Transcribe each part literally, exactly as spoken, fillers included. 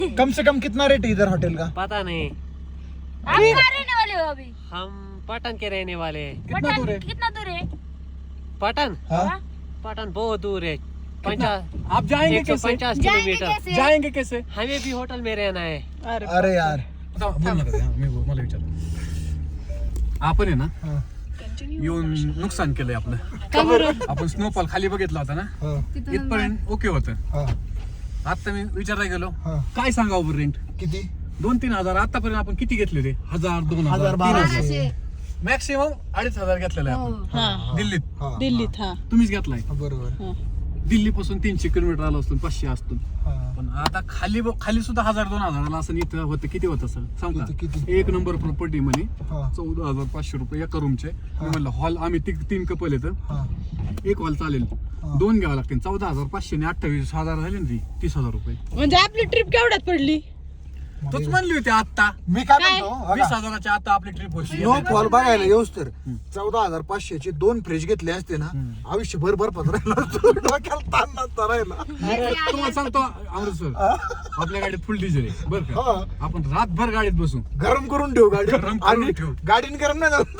कम से कम कितना रेट है इधर होटल का? पता नहीं। आप कहाँ रहने वाले हो अभी? हम पटन के रहने वाले हैं। कितना दूर है? कितना दूर है? पटन हाँ? पटन बहुत दूर है, पचास आप जाएंगे एक सौ कैसे? पचास जाएंगे किलोमीटर। कैसे? जाएंगे कैसे? हमें भी होटल में रहना है। अरे यार बोल नका ते, हा, मी बोल- मला विचार. आपण आहे ना हाँ. येऊन नुकसान केलंय आपलं. आपण स्नोफॉल खाली बघितला होता ना, हाँ. इथपर्यंत ओके होतं. हाँ. आता मी विचारायला गेलो, हाँ. काय सांगावं रेंट? किती? दोन तीन हजार. आतापर्यंत आपण किती घेतले ते? हजार, दोन हजार, हजार, तीन बाराशे. हजार, मॅक्सिमम अडीच हजार घेतलेला आहे आपण हा दिल्लीत. हाँ. दिल्लीत हा तुम्हीच घेतलाय. बरोबर. दिल्ली पासून तीनशे किलोमीटर आलो असतो, पाचशे असतो. हाँ. पण आता खाली खाली सुद्धा हजार दोन हजाराला असं इथं होतं. किती होतं सर सांग किती- का? किती? एक नंबर प्रॉपर्टी म्हणे हाँ. चौदा हजार पाचशे रुपये एका रूमचे. मी म्हणलं हॉल आम्ही ती- तीन कपल येतं, हाँ. एक हॉल चालेल, हा. दोन घ्यावं लागतील. चौदा हजार पाचशे आणि अठ्ठावीस हजार झाले ना, ती तीस हजार रुपये. म्हणजे आपली ट्रिप केवढ्यात पडली? तोच म्हणली होती आता मी काय म्हणतो वीस बघा, हजाराच्या आता आपली ट्रिप होती. स्नोफॉल बघायला येऊस तर चौदा हजार पाचशेचे दोन फ्रीज घेतले असते ना, आयुष्यभर बर्फात राहिला असतो. डोक्याला ताण नसता राहिला. तुम्हाला सांगतो अमृतसर आपल्या गाडीत फुल डिझेल आहे बरं का. हा. आपण रातभर गाडीत बसू, गरम करून ठेवू गाडी गरम करून आणि ठेवू. गाडीने गरम नाही झालं.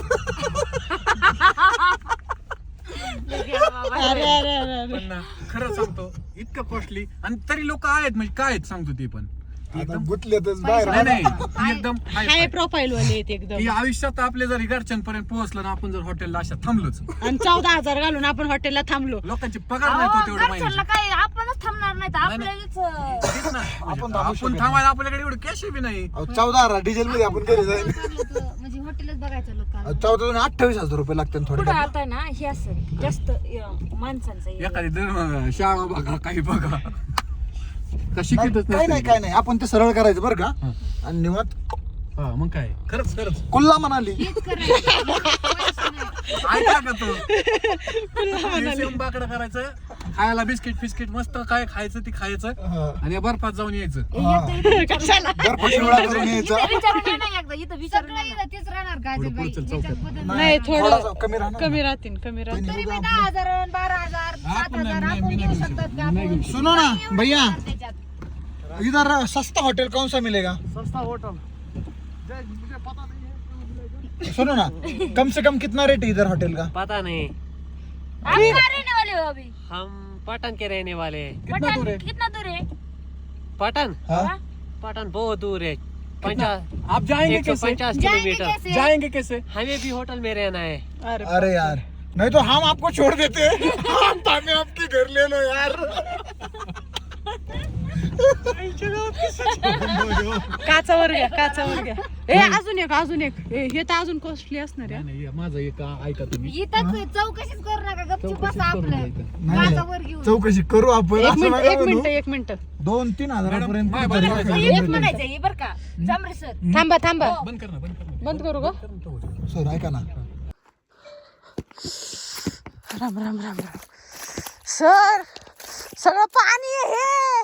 अरे अरे अरे अरे पण ना खरं सांगतो इतकं कॉस्टली, आणि तरी लोक आहेत म्हणजे काय आहेत सांगतो ते पण आता गुतलेतच बाहेर. नाही नाही ती एकदम high हाय five. प्रोफाईल वाले आहेत एकदम. की आयुष्यात आपले जर घरच्यांपर्यंत पोहोचलं ना, आपण जर हॉटेलला अशा थांबलोच, आणि चौदा हजार घालून आपण हॉटेलला थांबलो. लोकांचे पगार नाही तो तेवढे घरच्यांना महिन्याचे. काय आपणच थांबणार नाही तर आपल्यालाच तेच ना. आपण थांबू आपण शकत थांबायला आपल्याकडे एवढं कॅश बी नाही. अहो, चौदा हजार डिझेल मध्ये आपण घरी जाईल. म्हणजे हॉटेलच बघायचं लोकांना. चौदा आणि अठ्ठावीस हजार रुपये लागतात थोडे. पुढं आता ना हे असं जास्त अं, माणसांचं हे. एखादी दर शाळा बघा काही बघा का शिकतच काय नाही काय नाही, आपण ते सरळ करायचं बरं का. हा. आणि निवांत हा मग काय खरंच खरंच कुल्ला म्हणाली. ऐका का तो येऊन बाकडं करायचं, खायला बिस्किट फिस्किट मस्त काय खायचं ते खायचं, हा. आणि बर्फात जाऊन यायचं. कशाला? बर्फ शिवडा करून यायचा. इथं विचारून ये ना एकदा, इथं विचारून ये ना. तेच राहणार का पुढं पुढचं चौकात. नाही थोडासा थोडं कमी राहणार. कमी राहतील कमी राहतील. त्यांनी तरी बघा मी दहा हजार आणि बारा हजार सात आपण हजार नाही- आपण मी घेऊ नाही घेऊ शकतात शकत. का मी नाही घेऊ आपण? सुनो ना भैया, त्याच्यात इधर सस्ता होटल कौन सा मिलेगा? सस्ता होटल सुनो ना, कम से कम कितना रेट है इधर होटल का? पता नहीं। आप कहाँ रहने वाले हो अभी? हम पटन के रहने वाले हैं। कितना दूर है? कितना दूर है? पटन हाँ? पटन बहुत दूर है, पचास आप जाएंगे एक सौ कैसे? पचास जाएंगे किलोमीटर। कैसे? जाएंगे कैसे? हमें भी होटल में रहना है। अरे अरे यार, नहीं तो हम आपको छोड़ देते हैं. हम हमें आपके घर ले लो यार. काचावर घ्या काचावर घ्या. ए अजून एक अजून एक ए, हे तर अजून कॉस्टली असणार आहे. नाही, नाही, माझं एक ऐका तुम्ही. इथं चौकशीच करू नका, गपचूप चौकशीच बसा करून आपलं जायचं. नाही, गाजावर घेऊन. चौकशी करू आपण. एक असं मिनिट नका एक म्हणू. मिनिट एक मिनिट दोन तीन हजारापर्यंत मॅडम, कुठेतरी मॅडम, एखादी एक भेटेल. म्हणायचं हे बरं का जांभरे सर. थांबा थांबा बंद कर ना बंद कर ना. बंद करू का? सर ऐका ना, राम राम राम राम. सर सगळं पाणी आहे हे.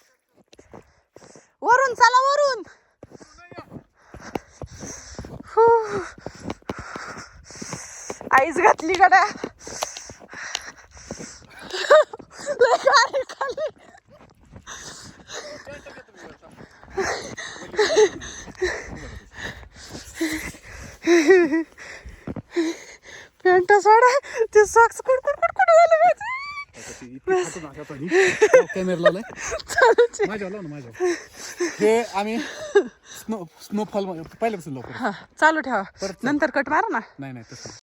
वरून चला वरून. हू. आईस घातली गड्या. लय गाडी खाली. पॅन्ट सोडा ते सॉक्स कुडकुड कुडकुड झाले माझे. कॅमेरा लावलाय माझ्या लाव ना माझ्या. हे आम्ही स्नो स्नोफॉल पहिल्यापासून लवकर हा चालू ठेवा नंतर कट मारा ना. नाही नाही तसं